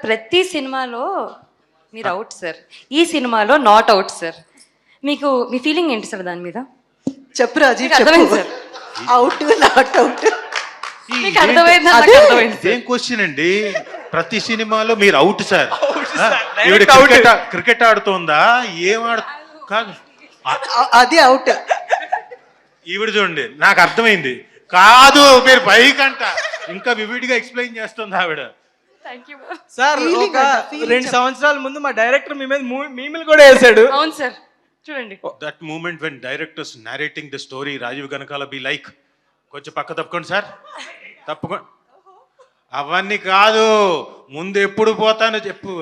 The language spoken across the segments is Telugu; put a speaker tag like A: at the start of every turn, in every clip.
A: ప్రతి సినిమాలో మీరు అవుట్ సార్, ఈ సినిమాలో నాట్ అవుట్ సార్. మీకు మీ ఫీలింగ్ ఏంటి సార్ దాని మీద?
B: చెప్పు రాజీ,
A: మీకు అర్థమైంది సార్?
B: అవుట్ నాట్ అవుట్
A: మీకు అర్థమైంది? నాకు అర్థమైంది సార్.
C: ఏం క్వశ్చన్ అండి? ప్రతి సినిమాలో మీరు అవుట్ సార్. క్రికెట్ ఆడుతోందా? ఏం కాదు,
B: అది అవుట్.
C: ఈవిడ చూడండి, నాకు అర్థమైంది. కాదు, మీరు పైకంట ఇంకా వివిడిగా ఎక్స్ప్లెయిన్ చేస్తుంది ఆవిడ.
D: సార్
B: Feeling
D: ఒక
B: అంట, feeling
D: 2 సంవత్సరాల ముందు మా డైరెక్టర్ మీ మీద మీములు కూడా వేసాడు.
A: అవును సార్, చూడండి.
C: That moment when directors narrating the story, Rajeev Kanakala be like, కొంచెం పక్క తప్పుకోండి సార్, తప్పుకోండి. అవన్నీ కాదు, ముందు ఎప్పుడు పోతానో చెప్పు.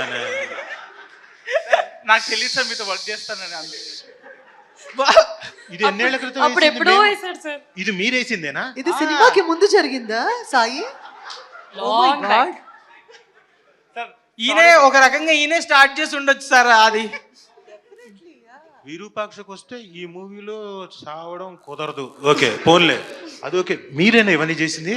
D: నాకు తెలియదు సార్, మీతో వర్క్ చేస్తానని.
C: ఇది ఎన్నేళ్ల క్రితం
A: అప్పుడు
C: వేసింది
A: ఎప్పుడో
C: మేము?
A: వేసాడు సార్.
C: ఇది మీరేసిందేనా?
B: ఇది సినిమాకి ముందు జరిగిందా సాయి?
A: Long back.
D: సార్ ఈయనే ఒక రకంగా ఈయనే స్టార్ట్ చేసి ఉండొచ్చు సార్. అది
C: విరూపాక్షకు వస్తే ఈ మూవీలో సావడం కుదరదు. ఓకే పోన్లే, అది ఓకే. మీరేనా ఇవన్నీ చేసింది?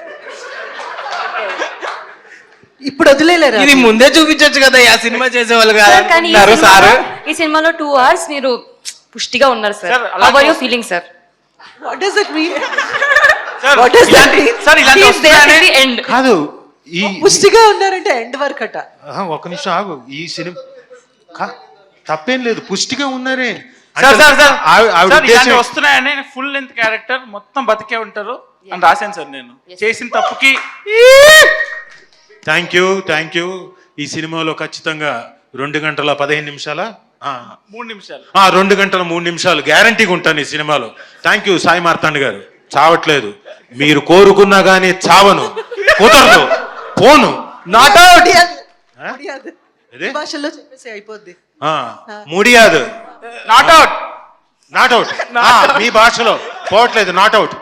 B: ఇప్పుడు వదిలేలేరా?
D: ఇది ముందే చూపించొచ్చు కదా, ఆ సినిమా చేసేవాళ్ళు
A: సార్, కానీ ఈ
D: కాదు సార్.
A: ఈ సినిమాలో 2 hours మీరు పుష్టిగా ఉన్నారు sir.
D: Sir,
A: How are you feeling sir?
B: What does it mean?
D: Sir
B: What does that
D: ఇలాంటి-
B: mean?
D: సార్ ఇలాంటి
A: He is there
D: వస్తున్నాయనే-
A: till the end.
C: కాదు, ఈ
B: పుష్టిగా ఉన్నారంటే ఎండ్ వరకు అట.
C: ఒక్క నిమిషం ఆగు. ఈ సినిమా తప్పేం లేదు, పుష్టిగా ఉన్నారే.
D: సార్ సార్ సార్
C: ఆవిడ
D: సార్, ఇలాంటి
C: ఉద్దేశం-
D: వస్తున్నాయని ఫుల్ లెంత్ క్యారెక్టర్ మొత్తం బతికే ఉంటారు అని రాశాను సార్ నేను. చేసిన తప్పుకి
C: థ్యాంక్ యూ. ఈ సినిమాలో ఖచ్చితంగా 2 గంటల 15 నిమిషాల
D: 3 నిమిషాలు
C: 2 గంటల 3 నిమిషాలు గ్యారంటీగా ఉంటాను ఈ సినిమాలో. థ్యాంక్ యూ సాయి మార్తాండ్ గారు. చావట్లేదు, మీరు కోరుకున్నా కానీ చావను, కుదరదు, పోను.
D: Not out.
C: ఇదే?
B: భాషల్లో చెప్పేసి అయిపోద్ది.
C: ముడియాదు,
D: నాట్ అవుట్.
C: Not out. మీ భాషలో పోవట్లేదు, నాట్ అవుట్.